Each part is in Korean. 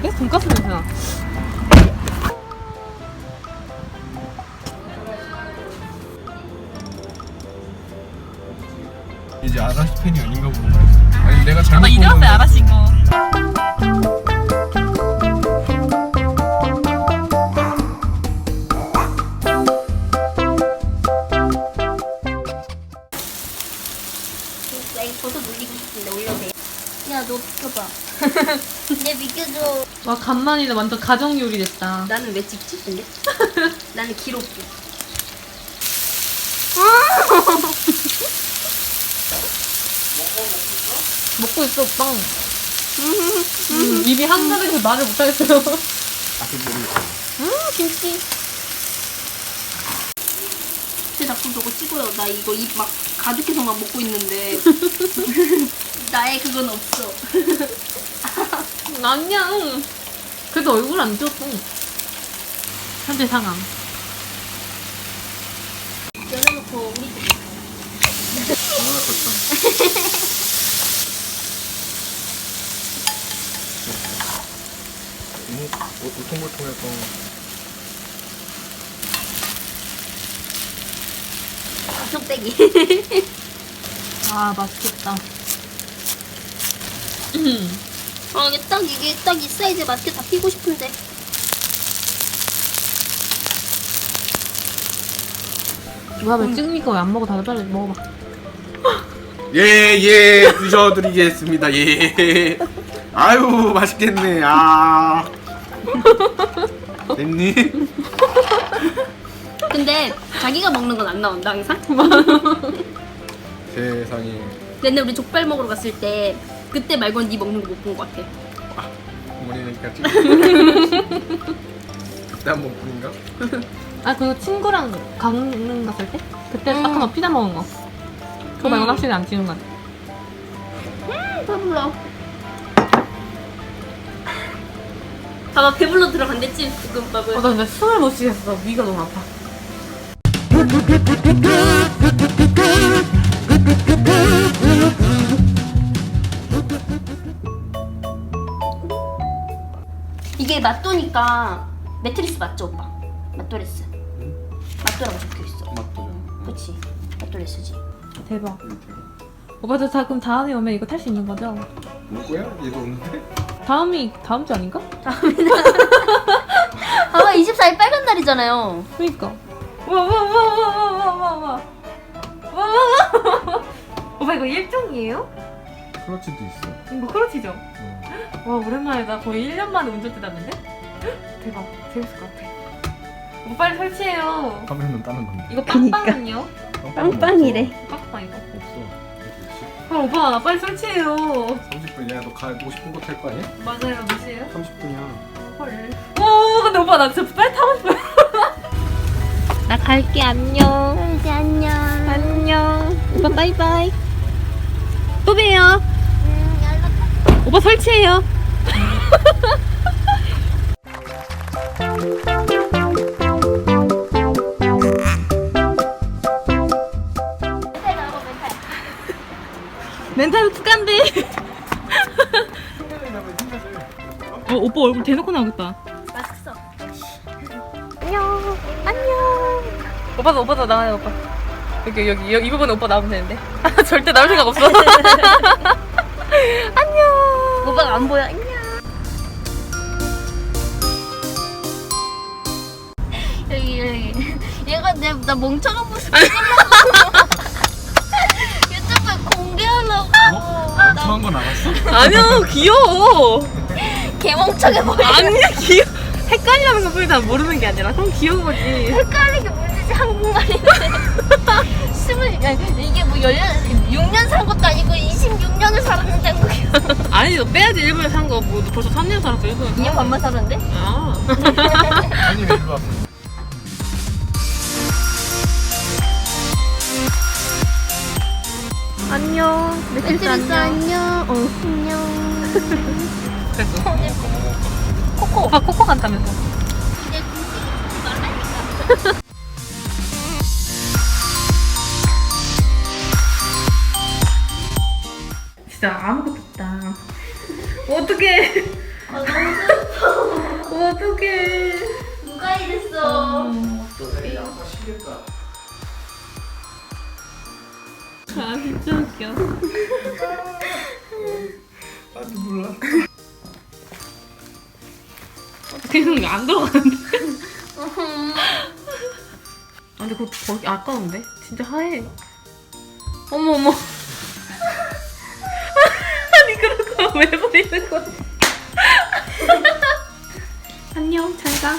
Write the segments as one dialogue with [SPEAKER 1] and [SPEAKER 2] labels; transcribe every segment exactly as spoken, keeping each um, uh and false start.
[SPEAKER 1] 나는데? 돈가스 냄새 나.
[SPEAKER 2] 이제 아라시 팬이 아닌가 보네. 아니 내가 잘못
[SPEAKER 1] 나 이제
[SPEAKER 2] 본
[SPEAKER 1] 왔어요,
[SPEAKER 2] 건데.
[SPEAKER 1] 아라씨 이거.
[SPEAKER 3] 나 이거 버섯 올리고 싶은데 올려도 돼? 야, 너 비켜봐. 내 비켜줘.
[SPEAKER 1] 와, 간만이다. 완전 가정 요리 됐다.
[SPEAKER 3] 나는 왜 찍지, 근데? 나는 기록부.
[SPEAKER 1] 먹고 있어, 오빠. 음, 입이 한가득해서 말을 못하겠어요.
[SPEAKER 2] 아직 모르겠어.
[SPEAKER 1] 음, 김치.
[SPEAKER 3] 쟤 자꾸 저거 찍어요. 나 이거 입 막 가득해서 막 먹고 있는데. 나의 그건 없어.
[SPEAKER 1] 아니야. 그래도 얼굴 안 쪘어. 현재 상황.
[SPEAKER 3] 열어놓고 우리 집.
[SPEAKER 2] 아 그렇다. 너무 울퉁불퉁해서.
[SPEAKER 3] 쏙빼기.
[SPEAKER 1] 아, 맛있겠다.
[SPEAKER 3] 아, 이게 딱 이게 딱 이 사이즈 맛있게 다 피고 싶은데.
[SPEAKER 1] 뭐야, 왜 찍으니까 왜 안 먹어? 다들 빨리 먹어봐.
[SPEAKER 2] 예예 드셔드리겠습니다. 예. 아유 맛있겠네. 아. 됐니?
[SPEAKER 3] 근데 자기가 먹는 건 안 나온다 항상.
[SPEAKER 2] 세상에.
[SPEAKER 3] 맨날 우리 족발 먹으러 갔을 때 그때 말고는 네 먹는 거 못 본 것 같아.
[SPEAKER 2] 어머니니까 찍. 그때 한 번뿐인가?
[SPEAKER 1] 아, 그리고 친구랑 강릉 갔을 때? 그때 딱 하나 피자 먹은 거. 그거 말고는
[SPEAKER 3] 음.
[SPEAKER 1] 확실히 안 찍은 것 같아.
[SPEAKER 3] 배불러. 봐봐, 배불러 들어간댔지 볶음밥을.
[SPEAKER 1] 어, 나 근데 숨을 못 쉬겠어. 위가 너무 아파.
[SPEAKER 3] 이게 맛도니까 매트리스 맞죠, 오빠? 맛도레스. 맛도라고 적혀있어.
[SPEAKER 2] 맞죠.
[SPEAKER 3] 그치? 맛도레스지.
[SPEAKER 1] 대박. 오빠도 다, 그럼 다음에 오면 이거 탈 수 있는 거죠?
[SPEAKER 2] 누구야? 얘도 없는데?
[SPEAKER 1] 다음이 다음 주 아닌가?
[SPEAKER 3] 아마 이십사 일 빨간 날이잖아요.
[SPEAKER 1] 그니까. 와와와와와와와와. 와와와. 오빠 이거 일종이에요?
[SPEAKER 2] 크러치도 있어.
[SPEAKER 1] 이거 크로치죠?
[SPEAKER 2] 응.
[SPEAKER 1] 와, 오랜만이다. 거의 일 년 만에 운전대 땄는데? 대박. 재밌을 것 같아. 오빠 빨리 설치해요.
[SPEAKER 2] 카메라는 따는 건데.
[SPEAKER 1] 이거 빵빵은요?
[SPEAKER 3] 빵빵이래.
[SPEAKER 1] 빵빵 이거.
[SPEAKER 2] 없어.
[SPEAKER 1] 아, 오빠 나 빨리 설치해요.
[SPEAKER 2] 삼십 분이야. 너 가고 싶은 곳 탈 거 아니야?
[SPEAKER 1] 맞아요. 몇 시에요?
[SPEAKER 2] 삼십 분이야.
[SPEAKER 1] 헐. 오, 근데 오빠 나 진짜 빨리 타고 싶어요. 나 갈게. 안녕.
[SPEAKER 3] 이제 안녕.
[SPEAKER 1] 안녕. 오빠 바이바이. 또 봬요.
[SPEAKER 3] 음, 연락.
[SPEAKER 1] 오빠 설치해요.
[SPEAKER 3] 멘탈 나오고 멘탈.
[SPEAKER 1] 멘탈 툭간데. 어, 오빠 얼굴 대놓고 나오겠다.
[SPEAKER 3] 맛있어.
[SPEAKER 1] 안녕. 안녕. 오빠도 오빠도 나와요, 오빠. 여기 여기 여기 이 부분에 오빠 나오면 되는데. 절대 나올 생각 없어. 안녕.
[SPEAKER 3] 오빠가 안 보여. 안녕. 여기 여기. 얘가 내 나 멍청한 모습 찍으려고 유튜브에 공개하려고.
[SPEAKER 2] 어? 멍청한 건 알았어?
[SPEAKER 1] 아니야, 귀여워.
[SPEAKER 3] 개멍청해 보여.
[SPEAKER 1] 아니야, 귀여워. 헷갈리는 것 뿐이다. 모르는 게 아니라. 그럼 귀여운 거지.
[SPEAKER 3] 헷갈리게 물리지 한국말인데. 스물 아니, 이게 뭐 열 육 년 산 것도 아니고 이십육 년을 살았는데 한국에.
[SPEAKER 1] 아니, 너 빼야지. 일본에 산 거. 뭐, 너 벌써 삼 년 살았어, 일본에서.
[SPEAKER 3] 이 년 반만 살았는데?
[SPEAKER 1] 아.
[SPEAKER 2] 아니 왜 일로 와?
[SPEAKER 1] 안녕.
[SPEAKER 3] 매트리스 안녕. 어, 안녕.
[SPEAKER 1] 그랬어.
[SPEAKER 3] 코코.
[SPEAKER 1] 오빠 코코 간다면서.
[SPEAKER 3] 이제 굶지 말라니까.
[SPEAKER 1] 진짜 아무것도 없다. 어떡해.
[SPEAKER 3] 아, 너무 슬퍼.
[SPEAKER 2] 미치겠다.
[SPEAKER 1] 아 진짜 웃겨.
[SPEAKER 2] 나도 몰라.
[SPEAKER 1] 그냥 안 들어가는데. 아 근데 그거 거기 아까운데? 진짜 하얘. 어머 어머. 아니 그런 거 왜 버리는 거야? 안녕 잘 가.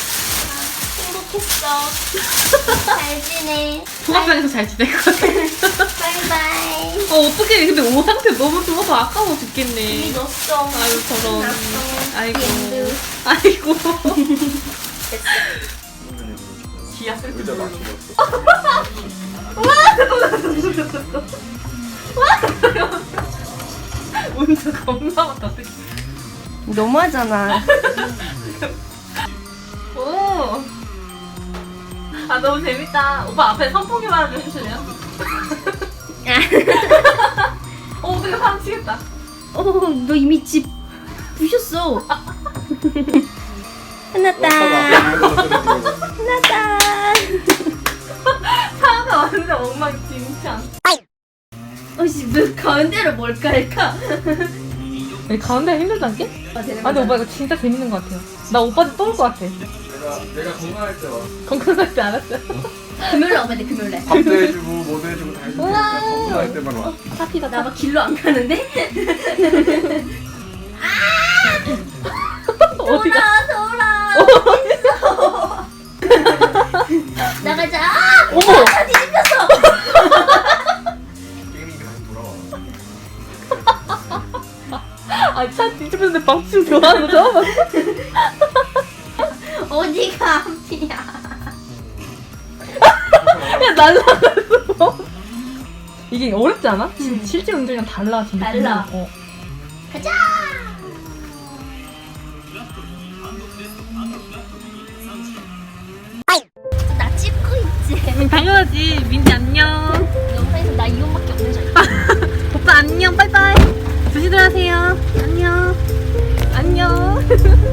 [SPEAKER 3] 행복했어. 잘 지내.
[SPEAKER 1] 종합병에서 잘 지낼 것 같아.
[SPEAKER 3] 바이바이.
[SPEAKER 1] 어 어떡해 근데 옷 상태 너무 좋아서 아까워
[SPEAKER 3] 이미
[SPEAKER 1] 죽겠네.
[SPEAKER 3] 넣었어.
[SPEAKER 1] 아유 저런.
[SPEAKER 3] 났어.
[SPEAKER 1] 아이고.
[SPEAKER 3] 엔드.
[SPEAKER 1] 아이고. 기아
[SPEAKER 2] 의자
[SPEAKER 1] 쓸줄 모르고.
[SPEAKER 2] 맞추었어.
[SPEAKER 1] 운전 겁나 많다.
[SPEAKER 3] 너무하잖아.
[SPEAKER 1] 오. 아 너무 재밌다. 오빠 앞에 선풍기만 좀 해줄래요? 어 어떻게 사람 치겠다.
[SPEAKER 3] 어, 너 이미 집 부셨어. 끝났다. 끝났다.
[SPEAKER 1] 차가 완전 엉망진창.
[SPEAKER 3] 어씨, 왜 가운데로 뭘까 할까?
[SPEAKER 1] 여기 가운데 힘들지 않게? 아 근데 오빠 이거 진짜 재밌는 것 같아요. 나 오빠한테 떠올 것 같아.
[SPEAKER 2] 내가 내가 건강할 때 와.
[SPEAKER 1] 건강할 때 알았어요.
[SPEAKER 3] 금요일에 오면 돼, 금요일에.
[SPEAKER 2] 밥도 해주고 뭐도 해주고 다 해주고 그냥 건강할 때만 와.
[SPEAKER 1] 사피다.
[SPEAKER 3] 나 막 길로 안 가는데?
[SPEAKER 1] 어디가?
[SPEAKER 3] 돌아, 돌아. 나가자. 아!
[SPEAKER 1] 어머!
[SPEAKER 3] 차 뒤집혔어.
[SPEAKER 2] 게임이 다시 돌아와.
[SPEAKER 1] 아차 뒤집혔는데 방침 좋아하는 거 처음 봤어.
[SPEAKER 3] 어디가 앞이야?
[SPEAKER 1] 야 날라갔어. 이게 어렵지 않아? 진- 실제 운전이랑 달라 진짜.
[SPEAKER 3] 달라.
[SPEAKER 1] 어.
[SPEAKER 3] 가자. 나 찍고 있지.
[SPEAKER 1] 당연하지. 민지 안녕.
[SPEAKER 3] 영상에서 나 이혼밖에 없는 줄 알고.
[SPEAKER 1] 오빠 안녕. 빠이빠이. 조심들 하세요. 안녕. 안녕.